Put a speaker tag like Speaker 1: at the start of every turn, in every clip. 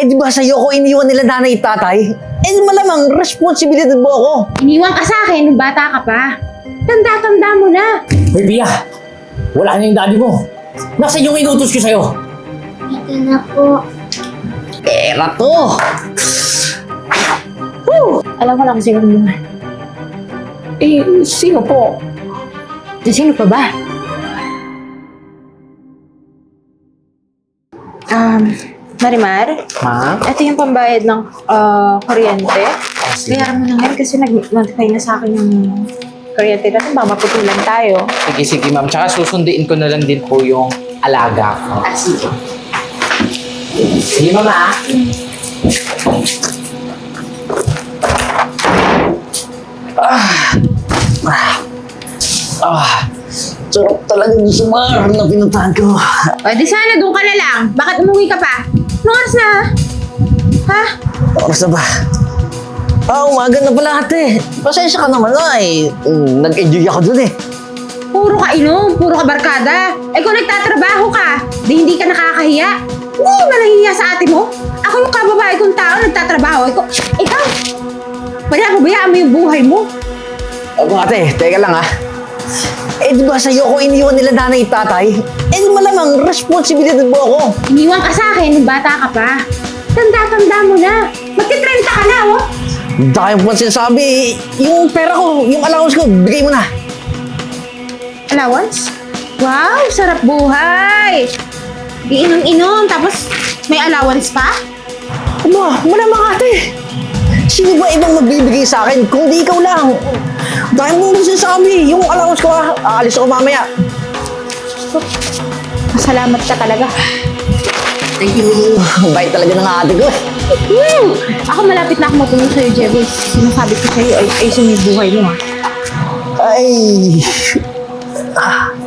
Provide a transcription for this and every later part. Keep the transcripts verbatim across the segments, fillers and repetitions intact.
Speaker 1: Eh di ba sa'yo ko iniwan nila nanay at tatay? Eh malamang responsibilidad mo ako.
Speaker 2: Iniwan ka sa akin nung bata ka pa. Tanda-tanda mo na.
Speaker 3: Hoy, Pia! Wala na yung daddy mo. Nasaan yung inutos ko sa'yo?
Speaker 4: Ito na po.
Speaker 1: Pera to.
Speaker 2: Alam ko lang kung sino mo.
Speaker 3: Eh, sino po?
Speaker 2: Eh, sino pa ba? Um, Marimar,
Speaker 3: Ma?
Speaker 2: ito yung pambayad ng ah, kuryente. Bayaran mo na ngayon kasi nag-notify na sa akin yung kuryente natin. Ba, maputulan tayo.
Speaker 5: Sige, sige ma'am. Tsaka susunduin ko na lang din po yung alaga ko.
Speaker 2: Ah, sige.
Speaker 5: Sige, mama.
Speaker 1: Ah, sarap talaga dun sa bar na pinuntahan ko.
Speaker 2: O, di sana doon ka na lang. Bakit umuwi ka pa? Anong oras na? Ha?
Speaker 1: Oras na ba? Ah, umaga na pala ate. Pasensya ka naman na eh. Mm, nag-enjoy ako dun eh.
Speaker 2: Puro ka inom, puro ka barkada. Eh kung nagtatrabaho ka, di hindi ka nakakahiya. Hindi ba nahihiya sa ate mo? Ako yung kababae kong tao, nagtatrabaho. Ikaw, ikaw, wala pabayaan mo yung buhay mo.
Speaker 1: Ako ate, teka lang ah. Eh di ba sa'yo ko iniwan nila nanay at tatay? Eh malamang responsibilidad mo ako.
Speaker 2: Iniwan ka sa akin nung bata ka pa. Tanda-tanda mo na. Magti-trenta ka na, oh.
Speaker 1: Dahil mo sinasabi, yung pera ko, yung allowance ko, bigay mo na.
Speaker 2: Allowance? Wow, sarap buhay. Iinom-inom, tapos may allowance pa?
Speaker 1: Aba, malamang ate. Sino ba ibang magbibigay sa akin kung di ikaw lang? Dahil mo naman sinasabi, yung allowance ko ah, aalis ako mamaya.
Speaker 2: Masalamat ka talaga.
Speaker 1: Thank you. Ang bait talaga ng ate ko.
Speaker 2: Woo! Ako malapit na ako matulong sa'yo, Jeboy. Sinasabi ko sa'yo, ay, ay yung buhay mo, ha?
Speaker 1: Ay.
Speaker 2: Ah!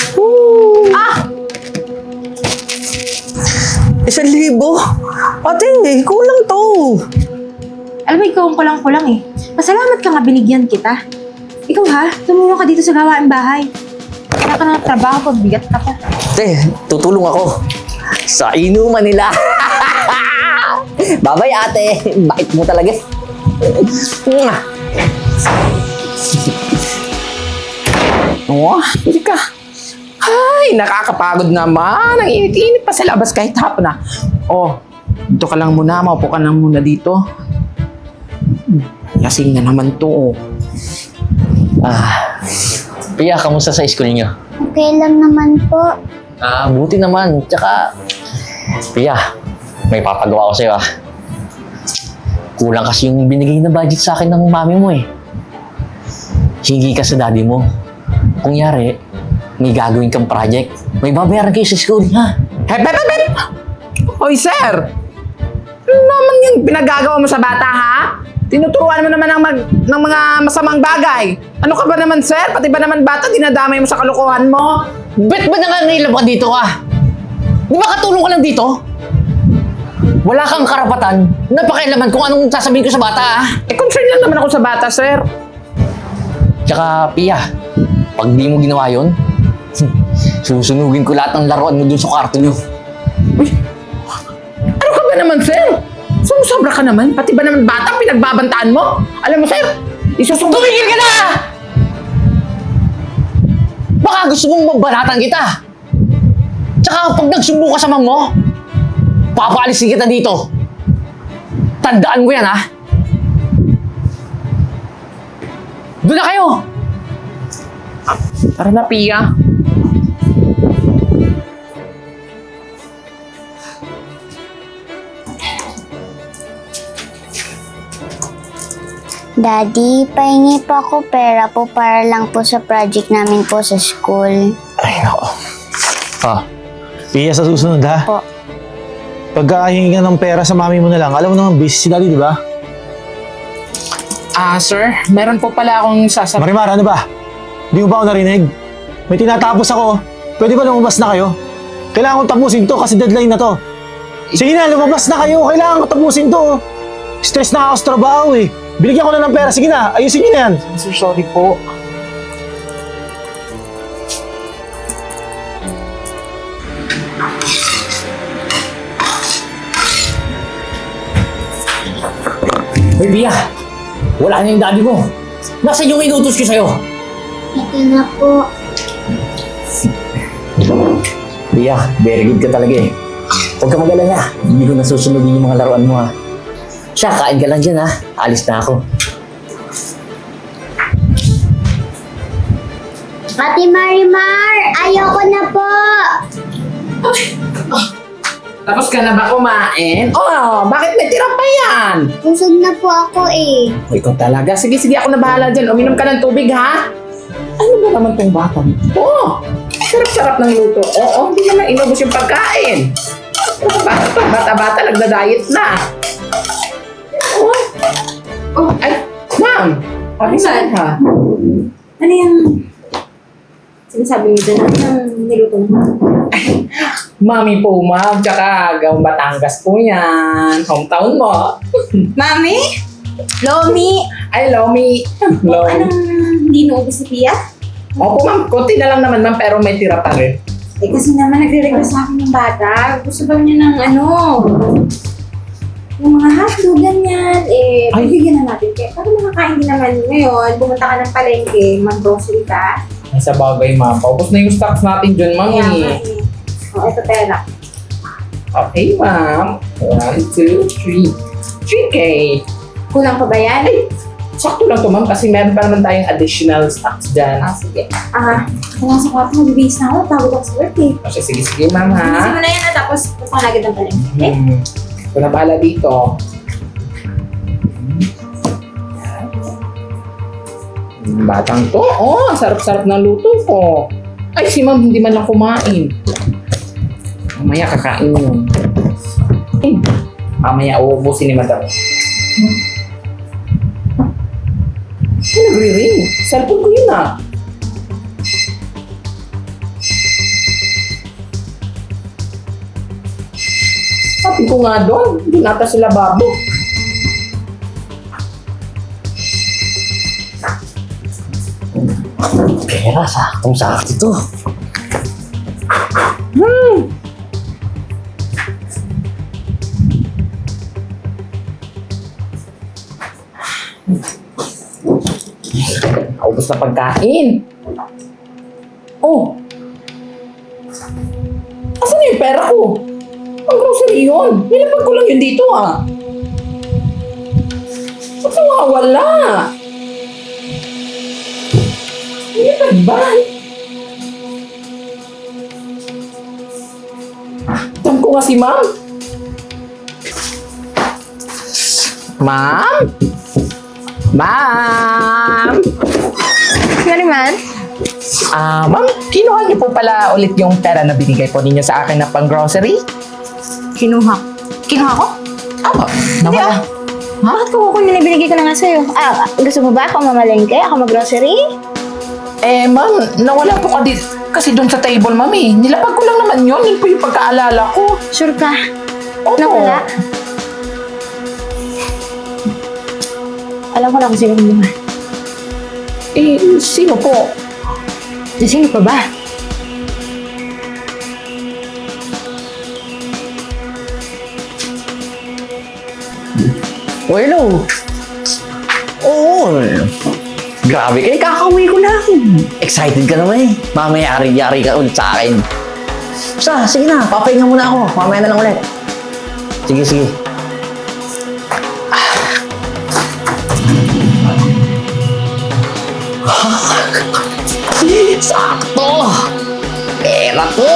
Speaker 1: Isang libo? Ate, kulang to.
Speaker 2: Alam mo, ikaw ang kulang-kulang eh. Pasalamat ka nga binigyan kita. Ikaw ha, tumulong ka dito sa gawain bahay. Wala ka ng trabaho pag bigat ka pa.
Speaker 1: Ate, tutulong ako. Sa inuman nila. Babay ate, bait mo talaga. Mwah.
Speaker 5: Oh, hindi ka. Ay, nakakapagod naman. Ang init-init pa sa labas kahit hapon na. Oh, dito ka lang muna. Maupo ka lang muna dito. Lasing na naman to. Oh.
Speaker 1: Ah, Pia, kamusta sa school niyo?
Speaker 4: Okay lang naman po.
Speaker 1: Ah, buti naman. Tsaka, Pia, may papagawa ko sa'yo ah. Kulang kasi yung binigay na budget sa akin ng mami mo eh. Hingi ka sa daddy mo. Kung yari, may gagawin kang project. May babayaran kayo sa school, ha?
Speaker 5: Hep, hep, hep, hep! Hoy, sir! Ano naman yung pinagagawa mo sa bata, ha? Tinuturuan mo naman ng, mag, ng mga masamang bagay. Ano ka ba naman, sir? Pati ba naman bata, dinadamay mo sa kalokohan mo?
Speaker 1: Ba't ba nangangailan ka dito ka? Di ba katulong ka lang dito? Wala kang karapatan na pakialaman kung anong sasabihin ko sa bata, ha?
Speaker 5: Eh, concern lang naman ako sa bata, sir.
Speaker 1: Tsaka, Pia, pag di mo ginawa yun, susunugin ko lahat ng laruan mo dun sa kwarto nyo.
Speaker 5: Uy, ano ka ba naman, sir? Sumusobra ka naman. Pati ba naman bata pinagbabantaan mo? Alam mo, sir, isusugod...
Speaker 1: Tumigil ka na! Baka gusto mong mabanatan kita. Tsaka pag nagsumbo ka sa mam mo, papaalisin kita dito. Tandaan mo yan, ha? Doon na kayo!
Speaker 5: Tara na, Pia.
Speaker 4: Daddy, pahingi pa ako pera po para lang po sa project namin po sa school.
Speaker 6: Ay, nako. Ah, Pia, sa susunod ha?
Speaker 4: Po.
Speaker 6: Pagkahingi ka ng pera sa mami mo na lang, alam mo naman, busy si daddy, di ba?
Speaker 5: Ah, sir, meron po pala akong sasabihin.
Speaker 6: Marimar, ano ba? Di mo ba ako narinig? May tinatapos ako. Pwede ba lumabas na kayo? Kailangan kong tapusin to kasi deadline na to. Sige na, lumabas na kayo. Kailangan ko tapusin to. Stress na ako sa trabaho eh. Binigyan ko na ng pera. Sige na, ayusin niyo na yan.
Speaker 5: Sir, sorry po.
Speaker 3: Hoy, Bia! Wala na yung daddy mo. Nasaan yung inutos ko sa'yo?
Speaker 4: Ito na po.
Speaker 3: Bia, very good ka talaga eh. Huwag ka mag-alala. Hindi ko nasusunodin yung mga laruan mo ha. Siya, kain ka lang dyan ha. Alis na ako.
Speaker 4: Ate Marimar, ayoko na po.
Speaker 5: Tapos ka na ba kumain? Oh, bakit may tira pa yan?
Speaker 4: Busog na po ako eh.
Speaker 5: O, ikaw talaga. Sige, sige, ako na bahala dyan. Uminom ka ng tubig, ha? Ano ba naman tong bata mo? Oh, sarap-sarap ng luto. Oo, hindi naman inubos yung pagkain. Bata, bata-bata, nagda-diet na. Oh, oh ay, ma'am. Ano saan ha?
Speaker 2: Ano yung sinasabi mo doon? Ano yung niluto mo?
Speaker 5: Mami po, ma'am. Tsaka, gawang Batangas po yan. Hometown mo.
Speaker 2: Mami? Lomi?
Speaker 5: Ay, Lomi. Lomi.
Speaker 2: Anong hindi naubos si Pia?
Speaker 5: Opo, ma'am. Kunti na lang naman, ma'am. Pero may tira pa rin.
Speaker 2: Eh kasi naman nagre-request sa akin ng bata. Gusto daw niya ng ano, yung mga hotdog, ganyan. Eh,
Speaker 5: Ay.
Speaker 2: bibigyan na natin. Kaya para makakain din naman ngayon, pumunta ka ng palengke, mag-grocery ka.
Speaker 5: Ay, sa bagay, ma'am. Paubos na yung stocks natin dyan, ma'am.
Speaker 2: Kaya
Speaker 5: eh.
Speaker 2: nga eh. O, eto pera.
Speaker 5: Okay, ma'am. One, two, three. three K.
Speaker 2: Kulang pa ba yan?
Speaker 5: Ay, sakto lang to, ma'am. Kasi meron pa naman tayong additional stocks dyan.
Speaker 2: Ah, sige. Ah, kung nasa kwarto, magbibihis na ako. Tawag ako sa work eh.
Speaker 5: Okay, sige, sige, ma'am,
Speaker 2: Bilisin
Speaker 5: ha?
Speaker 2: mo na yan at tapos punta ka na agad ng palengke. Okay?
Speaker 5: Hmm. Ito na bahala dito. Hmm, Batang to. Oh, ang sarap-sarap ng luto ko. Ay, si ma'am hindi man lang kumain. Mamaya kakain yun. Eh, mamaya uubusin ni madam. Ay, nagre-ring. Cellphone ko yun ah. Sabi ko nga doon, hindi nata sila babo.
Speaker 1: Pera, saktong-sakto to.
Speaker 5: Naubos na pagkain. Oh! Asan na yung pera ko? Ang grocery yun. Nilapag ko lang yun dito ah. Ba't nawawala? Nilapag ba? Tam ko nga si ma'am. Ma'am? Ma'am?
Speaker 2: Sorry, man.
Speaker 5: Ah, ma'am, kinuha niyo po pala ulit yung pera na binigay po ninyo sa akin na pang grocery?
Speaker 2: Kinuha. Kinuha ko?
Speaker 5: Opo, nawala.
Speaker 2: Bakit ko kukunin na binigay ko na nga sa'yo? Ah, gusto mo ba ako mamalengke? Ako mag-grocery?
Speaker 5: Eh, ma'am, nawala po ka di kasi doon sa table, ma'am eh. Nilapag ko lang naman yun. Yun po yung pagkaalala ko.
Speaker 2: Sure ka?
Speaker 5: Opo.
Speaker 2: Nawala? Alam ko lang kung sino kumuha.
Speaker 5: Eh, sino po?
Speaker 2: Eh, sino pa ba?
Speaker 1: Oh, hello. Oo. Grabe kayo, kakauwi ko lang. Excited ka naman eh. Mamaya yari-yari ka ulit sa akin. Basta, sige na, papahinga muna ako. Mamaya na lang ulit. Sige, sige. Sakto! Pera to!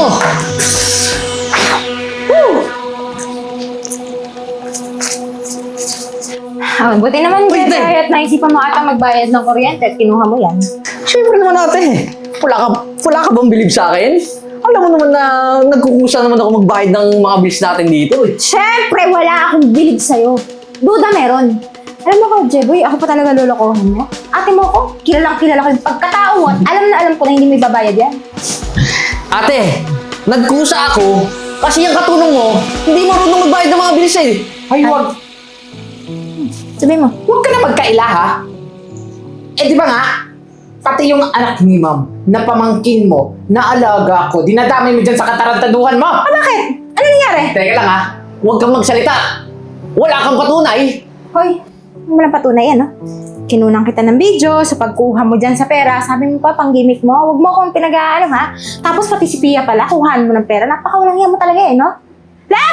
Speaker 2: Ah, buti naman
Speaker 1: Wait,
Speaker 2: Jay,
Speaker 1: Day.
Speaker 2: at naisipan mo ata magbayad ng kuryente at kinuha mo yan.
Speaker 1: Siyempre naman ate. Wala ka, wala ka bang bilib sa akin? Alam mo naman na nagkukusa naman ako magbayad ng mga bills natin dito eh.
Speaker 2: Siyempre, wala akong bilib sa'yo. Duda meron. Alam mo ko, Jeboy, ako pa talaga lolokohan mo. Ate mo ko, kilalang kilala ko yung pagkatao mo at alam na alam ko na hindi may babayad yan.
Speaker 1: Ate, nagkusa ako kasi yung katulong mo, hindi marunong magbayad ng mga bills eh.
Speaker 5: Ay, wag.
Speaker 2: Sabi mo,
Speaker 5: Huwag ka na magkaila, ha? Eh, di ba nga? Pati yung anak ni ma'am, na pamangkin mo, na alaga ko, dinadamay mo dyan sa katarantaduhan mo.
Speaker 2: ah, bakit? Ano nangyari?
Speaker 1: Teka lang ha, huwag kang magsalita. Wala kang patunay.
Speaker 2: Hoy, ano mo lang patunay yan, no? Kinunang kita ng video sa pagkuha mo dyan sa pera. Sabi mo pa, pang gimmick mo. Huwag mo akong pinag-aano, ha? Tapos pati si Pia pala, kuhaan mo ng pera. Napakawalang yan mo talaga, eh, no? Lan!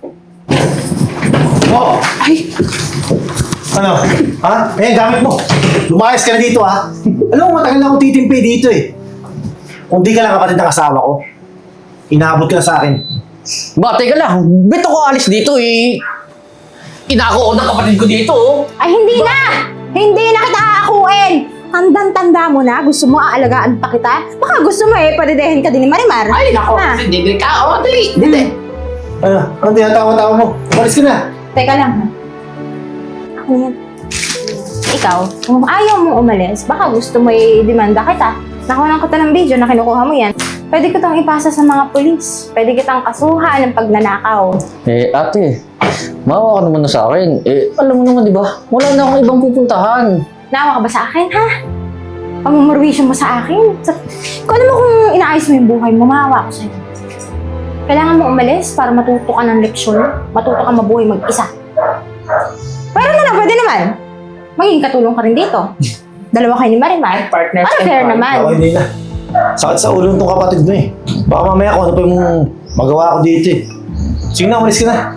Speaker 6: Oh!
Speaker 5: Ay,
Speaker 6: Ano? Ha? Eh, gamit mo. Lumayas ka na dito, ha? Alam mo, matagal na akong titimpi dito, eh. Kung di ka lang kapatid ng asawa ko, inaabot ka na sa akin.
Speaker 1: Ba, teka lang. Ba't ako alis dito eh? Inako ko ng kapatid ko dito oh.
Speaker 2: Ay, hindi na! Hindi na kita aakuin! Tandang-tanda mo na, gusto mo aalagaan pa kita? Baka gusto mo eh, padidehin ka din ni Marimar.
Speaker 5: ay, nako.
Speaker 2: Ha?
Speaker 5: Dili ka. O, dali. Dili.
Speaker 6: Ano? Ano tinatawa-tawa mo? Umalis ka na.
Speaker 2: Teka lang, ha? Ako yan. Ikaw, kung ayaw mo umalis, baka gusto mo i-demanda kita. Nakuha kita ng video na kinukuha mo yan. Pwede ko itong ipasa sa mga polis. Pwede kitang kasuhan ng pagnanakaw.
Speaker 1: Eh, ate. Maawa ka naman na sa akin. Eh, alam mo naman, di ba? Wala na akong ibang pupuntahan.
Speaker 2: Naawa ka ba sa akin, ha? Pamumurwisyo mo sa akin. Sa... Kung alam mo kung inaayos mo yung buhay mo, maawa ko sa'yo. Kailangan mo umalis para matuto ka ng leksyon. Matuto ka mabuhay mag-isa. Pero na lang, pwede naman. Magiging katulong ka rin dito. Dalawa kayo ni Marimar.
Speaker 5: Partners
Speaker 2: Para
Speaker 5: and
Speaker 2: fair
Speaker 5: partners.
Speaker 2: naman.
Speaker 6: Ako hindi na. Sakit sa ulo nitong kapatid mo, eh. Baka mamaya kung ano pa yung magawa ko dito, eh. Sige na, umalis ka na.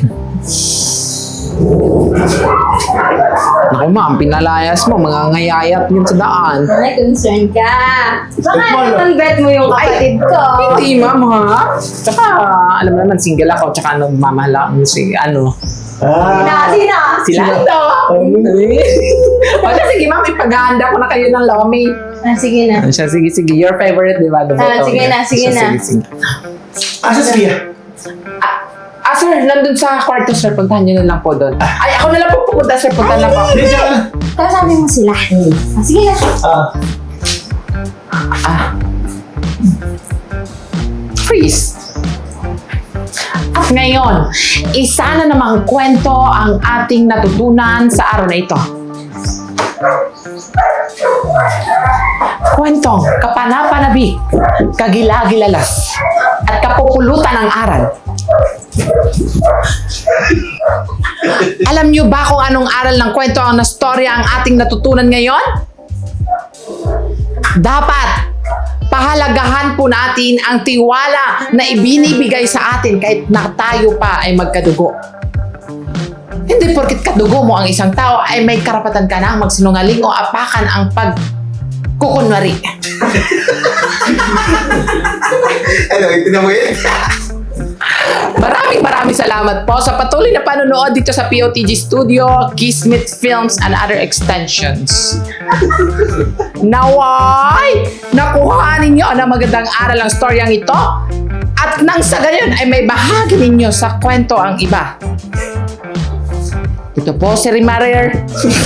Speaker 5: Naku, ma'am, pinalayas mo. Mga ngayayat yun sa daan.
Speaker 2: Ay, concern ka. Baka
Speaker 6: Bet mo, ano?
Speaker 2: naman bet mo yung kapatid ko.
Speaker 5: Hindi, ma'am, ha? Tsaka, alam mo naman, single ako. Tsaka, nagmamahal ako si, ano,
Speaker 6: Ah,
Speaker 2: Sino?
Speaker 5: sila ito. O siya, sige, ma'am, ipagahanda ko na kayo ng lomi.
Speaker 2: Ah, sige na.
Speaker 5: Ano siya, sige, sige. Your favorite, di ba?
Speaker 2: Ah, sige na, sige na.
Speaker 5: Sige, sige.
Speaker 6: asa si Pia?
Speaker 5: Ah, sir, nandun sa kwarto, sir. Puntahan niyo na lang po doon. Ay, ako na lang po pupunta, sir. Puntahan lang po.
Speaker 6: Hindi, siya ka na.
Speaker 2: Kasabi mo sila. Ah, sige na.
Speaker 6: Ah,
Speaker 5: Ah. Freeze! At ngayon, isa na namang kwento ang ating natutunan sa araw na ito. Kwentong kapanapanabik, kagilagilalas, at kapupulutan ng aral. Alam niyo ba kung anong aral ng kwento ang nastorya ang ating natutunan ngayon? Dapat pahalagahan po natin ang tiwala na ibinibigay sa atin kahit na tayo pa ay magkadugo. Hindi porkit kadugo mo ang isang tao ay may karapatan ka na magsinungaling o apakan ang pagkukunwari.
Speaker 6: ano, itinan mo yun?
Speaker 5: Maraming maraming salamat po sa patuloy na panonood dito sa P O T G Studio, Kismet Films and other extensions. Naway, nakuha ninyo na magandang aral ang storyang ito at nang sa gayon ay may bahagi ninyo sa kwento ang iba. Ito po si Rimarer.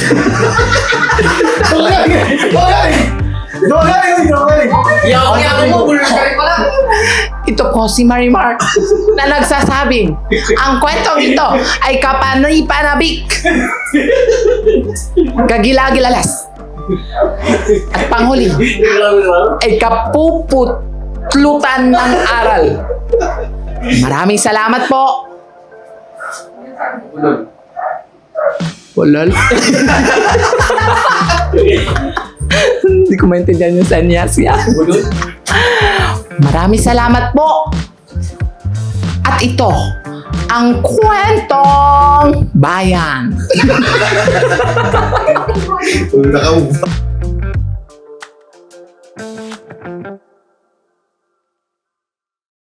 Speaker 6: Dogaling! Dogaling!
Speaker 1: Yaw, mo,
Speaker 5: Ito po si Marimar na nagsasabing ang kwentong ito ay kapanipanabik, kagilagilalas, at panghuli ay kapuputlutan ng aral. Maraming salamat po. Walal. Hindi ko maintindihan yung sanyasya. Maraming salamat po. At ito, ang kwentong bayan.
Speaker 6: Nakaubo.